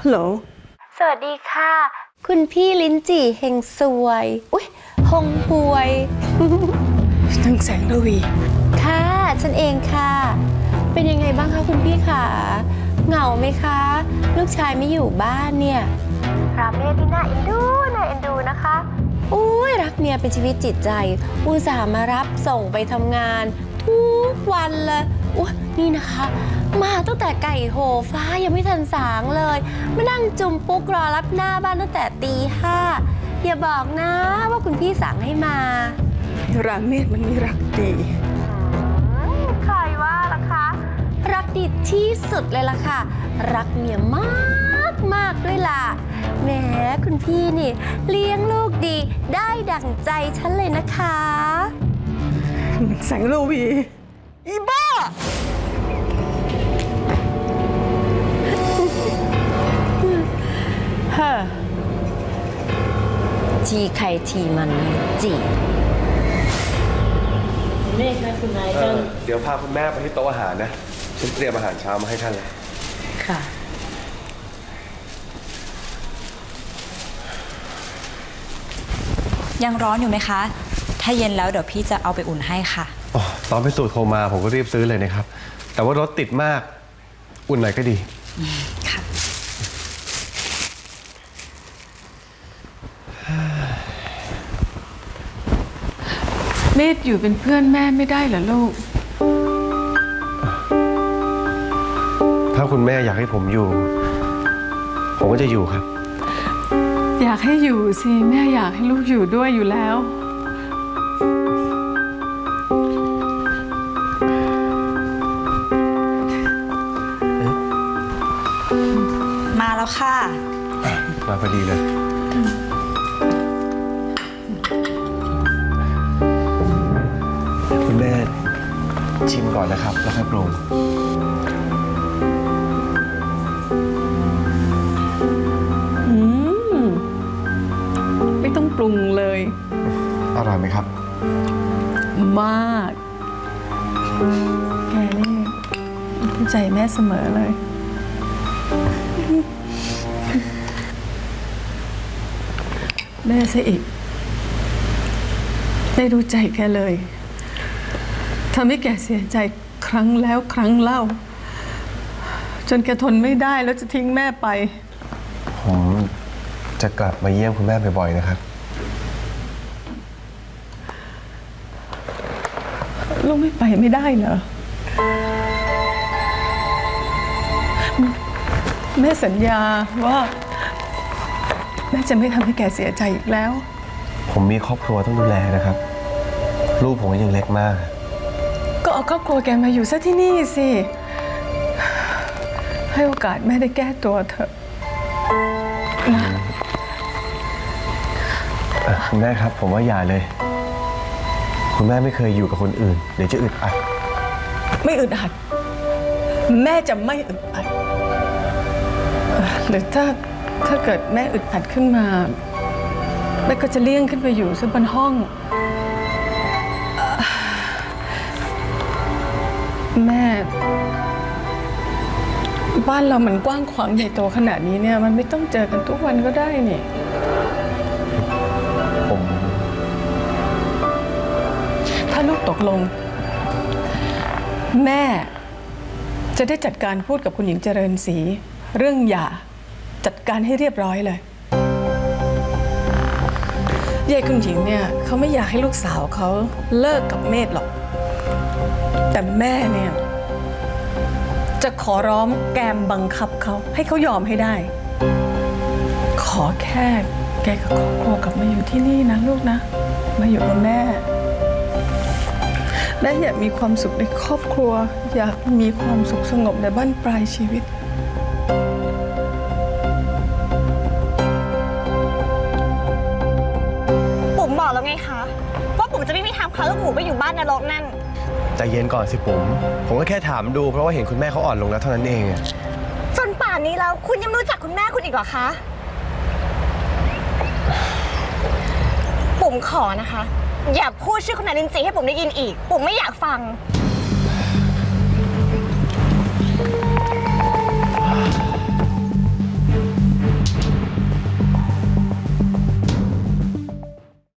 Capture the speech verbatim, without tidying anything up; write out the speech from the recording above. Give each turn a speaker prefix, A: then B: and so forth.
A: ฮัลโหล
B: สวัสดีค่ะคุณพี่ลิ้นจี่เฮงซวยอุ้ยฮงหวย
A: ทั้งแสงระวี
B: ค่ะฉันเองค่ะเป็นยังไงบ้างคะคุณพี่ขาเหงาไหมคะลูกชายไม่อยู่บ้านเนี่ยราเมศที่น่าเอ็นดูน่าเอ็นดูนะคะอุ้ยรักเมียเป็นชีวิตจิตใจอุตส่าห์มารับส่งไปทำงานทุกวันเลยอุ้ยนี่นะคะมาตั้งแต่ไก่โหฟ้ายังไม่ทันสางเลยมานั่งจุ่มปุ๊กรอรับหน้าบ้านตั้งแต่ตีห้าอย่าบอกนะว่าคุณพี่สั่งให้มา
A: ราเมศมันไม่รักดี
B: ใครว่าล่ะคะรักดีที่สุดเลยล่ะค่ะรักเมียมากมากด้วยล่ะแหมคุณพี่นี่เลี้ยงลูกดีได้ดั่งใจฉันเลยนะคะ
A: แสงระวีอีบ้า
B: เฮ้อทีใครทีมันจี
C: แม่ค่ะคุณนายท่าน
D: เดี๋ยวพาคุณแม่ไปที่โต๊ะอาหารนะฉันเตรียมอาหารเช้ามาให้ท่านเลย
C: ค่ะ
E: ยังร้อนอยู่ไหมคะถ้าเย็นแล้วเดี๋ยวพี่จะเอาไปอุ่นให้ค่ะ
D: อ๋อตอนไปสูตรโทรมาผมก็รีบซื้อเลยนะครับแต่ว่ารถติดมากอุ่นหน่อยก็ดี
E: ค่ะ
A: เมธอยู่เป็นเพื่อนแม่ไม่ได้เหรอลูก
D: ถ้าคุณแม่อยากให้ผมอยู่ผมก็จะอยู่ครับ
A: อยากให้อยู่สิแม่อยากให้ลูกอยู่ด้วยอยู่แล้ว
E: มาแล้วค่ะ
D: มาพอดีเลยคุณแม่ชิมก่อนนะครับแล้วค่อยปรุง
A: ไม่ต้องปรุงเลย
D: อร่อยไหมครับ
A: มากแกนี่เข้าใจแม่เสมอเลยแม่ซะอีกไม่รู้ใจแกเลยทำให้แกเสียใจครั้งแล้วครั้งเล่าจนแกทนไม่ได้แล้วจะทิ้งแม่ไป
D: ผมจะกลับมาเยี่ยมคุณแม่บ่อยๆนะครับ
A: ลูกไม่ไปไม่ได้เหรอแม่สัญญาว่าแม่จะไม่ทำให้แกเสียใจอีกแล้ว
D: ผมมีครอบครัวต้องดูแลนะครับลูกผมยังเล็กมาก
A: ก็เอาครอบครัวแกมาอยู่ซะที่นี่สิให้โอกาสแม่ได้แก้ตัวเถอะนะ
D: คุณแม่ครับผมว่าอย่าเลยคุณแม่ไม่เคยอยู่กับคนอื่นเดี๋ยวจะอึดอัด
A: ไม่อึดอัดแม่จะไม่อึดอัดหรือถ้าถ้าเกิดแม่อึดอัดขึ้นมาแม่ก็จะเลี่ยงขึ้นไปอยู่ซึ่งบนห้องแม่บ้านเรามันกว้างขวางใหญ่โตขนาดนี้เนี่ยมันไม่ต้องเจอกันทุกวันก็ได้นี่
D: ผม
A: ถ้าลูกตกลงแม่จะได้จัดการพูดกับคุณหญิงเจริญศรีเรื่องหย่าจัดการให้เรียบร้อยเลยยายคุณหญิงเนี่ยเขาไม่อยากให้ลูกสาวเขาเลิกกับเมธหรอกแต่แม่เนี่ยจะขอร้องแกมบังคับเขาให้เขายอมให้ได้ขอแค่แกกับครอบครัวกลับมาอยู่ที่นี่นะลูกนะมาอยู่กับแม่และอยากมีความสุขในครอบครัวอยากมีความสุขสงบในบ้านปลายชีวิต
F: ปุ๋มบอกแล้วไงคะว่าปุ๋มจะไม่มีทางพาลูกหมูไปอยู่บ้านนรกนั่น
D: ใจเย็นก่อนสิผมผมก็แค่ถามดูเพราะว่าเห็นคุณแม่เขาอ่อนลงแล้วเท่านั้นเอง
F: จนป่านนี้แล้วคุณยังไม่รู้จักคุณแม่คุณอีกเหรอคะปุ๋มขอนะคะอย่าพูดชื่อคุณนายลินจีให้ปุ๋มได้ยินอีกปุ๋มไม่อยากฟัง